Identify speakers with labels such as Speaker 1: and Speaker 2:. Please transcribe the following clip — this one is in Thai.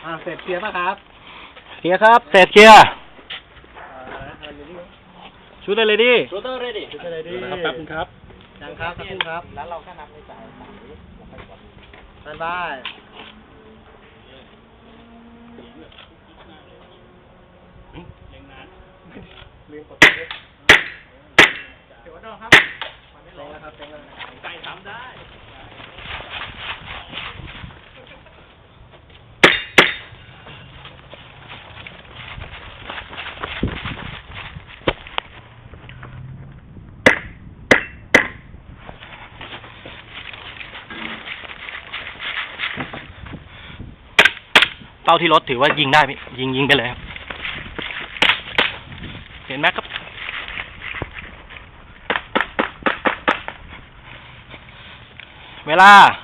Speaker 1: เสร็จเคลียร์ป่ะครับ
Speaker 2: เคลียร์ครับเสร็จเคลียร์ชุดเลยดิ
Speaker 1: ชูเตอร์เรดี้ชูเตอร์เรดี้
Speaker 2: แป๊บนึงครับ
Speaker 1: ยังครับสักครู่ครับ
Speaker 3: แล้วเราก็นับในสายสายนี้แล้วค่อยกด
Speaker 1: สแตนบายลืมกดเดี๋ยวดอกครับเต็งแล้วครับเต็งแล้วไก่ทำได้
Speaker 2: เป้าที่รถถือว่ายิงได้ยิงไปเลยครับเห็นไหมครับเวลา